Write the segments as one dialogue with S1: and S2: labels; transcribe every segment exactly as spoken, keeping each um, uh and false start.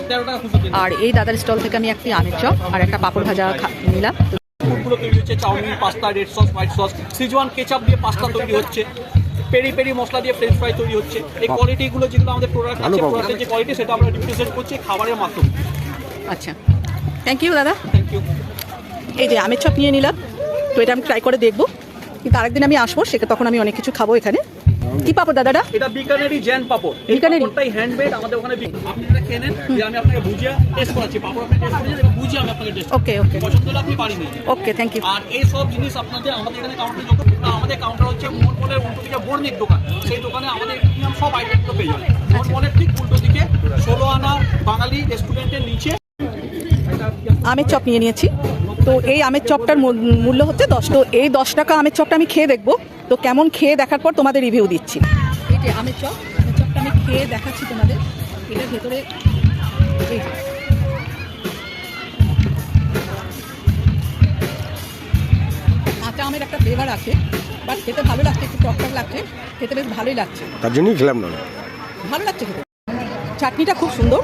S1: আর এই দাদার স্টল থেকে আমি একটি আমের চপ আর একটা পাঁপড় ভাজা নিলাম।
S2: ফুডগুলো তৈরি হচ্ছে, chowmein, pasta, red sauce, white sauce, schezwan ketchup দিয়ে পাস্তা তৈরি হচ্ছে, পেরি পেরি মশলা দিয়ে ফ্রেঞ্চ ফ্রাই তৈরি হচ্ছে। এই কোয়ালিটিগুলো যেগুলো আমাদের প্রোডাক্ট আছে, প্রোডাক্টের যে কোয়ালিটি সেটা আমরা রিপ্রেজেন্ট করছি খাবারের মাধ্যমে।
S1: আচ্ছা, থ্যাংক ইউ দাদা।
S2: Thank you.
S1: এই যে আমের চপ নিয়ে নিলাম, তো এটা আমি ট্রাই করে দেখবো, কিন্তু আরেকদিন আমি আসবো, সেটা তখন আমি অনেক কিছু খাবো। এখানে কি পাপড় দাদাটা?
S2: এটা বিকানেরি জ্যান পাপড়।
S1: বিকানেরি
S2: পাপড়টাই হ্যান্ডমেড আমাদের ওখানে। আপনি এটা খেয়ে নেন, আমি আপনাকে ভুজিয়া টেস্ট করাচ্ছি। পাপড় আপনি টেস্ট করেছেন, এবার ভুজিয়া আমি আপনাকে টেস্ট।
S1: ওকে ওকে,
S2: পছন্দ হলে আপনি পারি নিন।
S1: ওকে, থ্যাংক ইউ।
S2: আর এই সব জিনিস আপনাদের আমাদের এখানে কাউন্টারে যত, আমাদের কাউন্টার হচ্ছে মোহন মলের উল্টো দিকে বর্ণিক দোকান, সেই দোকানে আমাদের প্রিমিয়াম সব আইটেমগুলো পেয়ে যাবেন। মোহন মলের ঠিক উল্টো দিকে ষোলো আনা বাঙালি রেস্টুরেন্টের নিচে
S1: আমের চপ নিয়ে নিয়েছি। তো এই আমের চপটার মূল্য হচ্ছে দশ। তো এই দশ টাকা আমের চপটা আমি খেয়ে দেখবো, তো কেমন খেয়ে দেখার পর তোমাদের রিভিউ দিচ্ছি। এই যে আমের চপ, আমের চপটা আমি খেয়ে দেখাচ্ছি তোমাদের। এটার ভেতরে এই যে কাঁচা আমের একটা ফ্লেভার আছে, বাট খেতে ভালো লাগছে, একটু টক টক লাগছে, খেতে বেশ ভালোই লাগছে,
S3: তার জন্যই খেলাম না,
S1: ভালো লাগছে খেতে। চাটনিটা খুব সুন্দর।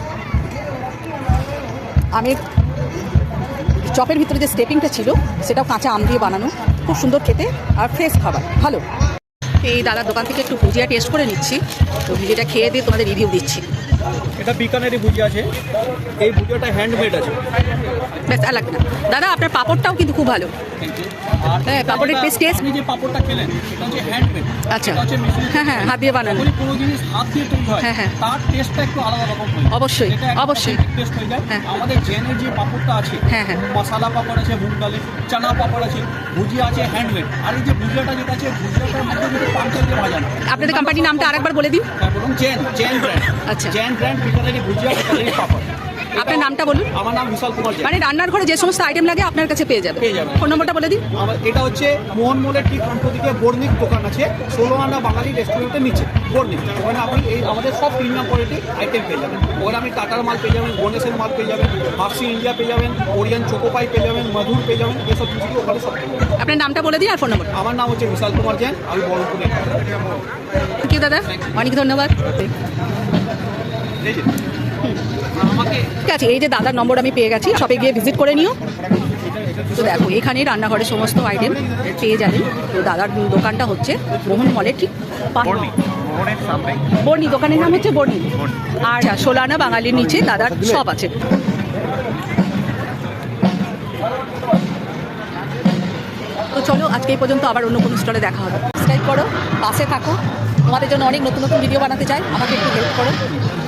S1: আমের চপের ভিতরে যে স্টেপিংটা ছিল সেটাও কাঁচা আম দিয়ে বানানো, খুব সুন্দর খেতে আর ফ্রেশ খাবার, ভালো। এই দাদার দোকান থেকে একটু ভুজিয়া টেস্ট করে নিচ্ছি, তো ভুজিয়াটা খেয়ে দিয়ে তোমাদের রিভিউ দিচ্ছি।
S2: এটা বিকানেরি ভুজিয়া আছে, এই ভুজিয়াটা হ্যান্ডমেড আছে।
S1: ব্যাস আর লাগবে না দাদা, আপনার পাঁপড়টাও কিন্তু খুব ভালো। হ্যাঁ, পাঁপড়ের টেস্ট টেস্ট
S2: আপনি যে পাঁপড়টা খেলেন সেটা হচ্ছে হ্যান্ডমেড।
S1: আচ্ছা, হ্যাঁ হ্যাঁ, হাত দিয়ে বানানো।
S2: কোনো জিনিস হাত দিয়ে তৈরি হয়,
S1: হ্যাঁ হ্যাঁ,
S2: তার টেস্টটা একটু আলাদা রকম হয়।
S1: অবশ্যই অবশ্যই
S2: টেস্ট হয়ে যায়।
S1: হ্যাঁ,
S2: আমাদের জেনের যে পাঁপড়টা আছে,
S1: হ্যাঁ হ্যাঁ,
S2: মশলা পাঁপড় আছে, মুগ ডালের চানা পাঁপড় আছে, ভুজিয়া আছে হ্যান্ডমেড। আর এই যে ভুজিয়াটা যেটা আছে, ভুজিয়াটার মধ্যে কিন্তু পাঁপড় দিয়ে ভাজানো।
S1: আপনাদের কোম্পানির নামটা আরেকবার বলে দিন।
S2: তারপর জেন জেন ব্র্যান্ড।
S1: আচ্ছা,
S2: জেন ব্র্যান্ড বিকানেরি ভুজিয়া, বিকানেরি পাঁপড়।
S1: আপনার নামটা বলুন।
S2: আমার নাম বিশাল কুমার জেন।
S1: মানে রান্নার ঘরে যে সমস্ত আইটেম লাগে আপনার কাছে পেয়ে যাবে।
S2: পেয়ে যাবে।
S1: ফোন নম্বরটা বলে দিন।
S2: আমার এটা হচ্ছে মোহন মলের ঠিক উল্টো দিকে বর্ণিক দোকান আছে, ষোলো আনা বাঙালি রেস্টুরেন্টের নিচে বর্ণিক। ওখানে আপনি এই আমাদের সব প্রিমিয়াম কোয়ালিটি আইটেম পেয়ে যাবেন। ওখানে আপনি টাটার মাল পেয়ে যাবেন, গণেশের মাল পেয়ে যাবেন, হাফসি ইন্ডিয়া পেয়ে যাবেন, ওরিয়ান চোকোপাই পেয়ে যাবেন, মধুর পেয়ে যাবেন, এসব জিনিসগুলো ওখানে সব পেয়ে যাবেন।
S1: আপনার নামটা বলে দিন আর ফোন নম্বর।
S2: আমার নাম হচ্ছে বিশাল কুমার জেন, আমি বহরমপুরে।
S1: থ্যাংক ইউ দাদা, অনেক ধন্যবাদ। ঠিক আছে, এই যে দাদার নম্বর আমি পেয়ে গেছি, শপে গিয়ে ভিজিট করে নিও। তো দেখো, এখানে রান্নাঘরে সমস্ত আইটেম পেয়ে যাবেন। তো দাদার দোকানটা হচ্ছে মোহন মলের ঠিক বর্ণি, দোকানের নাম হচ্ছে বর্ণি। আর ষোলানা বাঙালির নিচে দাদার শপ আছে। তো চলো, আজকে এই পর্যন্ত, আবার অন্য কোনো স্টলে দেখা হবে। সাবস্ক্রাইব করো, পাশে থাকো, তোমাদের জন্য অনেক নতুন নতুন ভিডিও বানাতে চাই, আমাকে একটু হেল্প করো।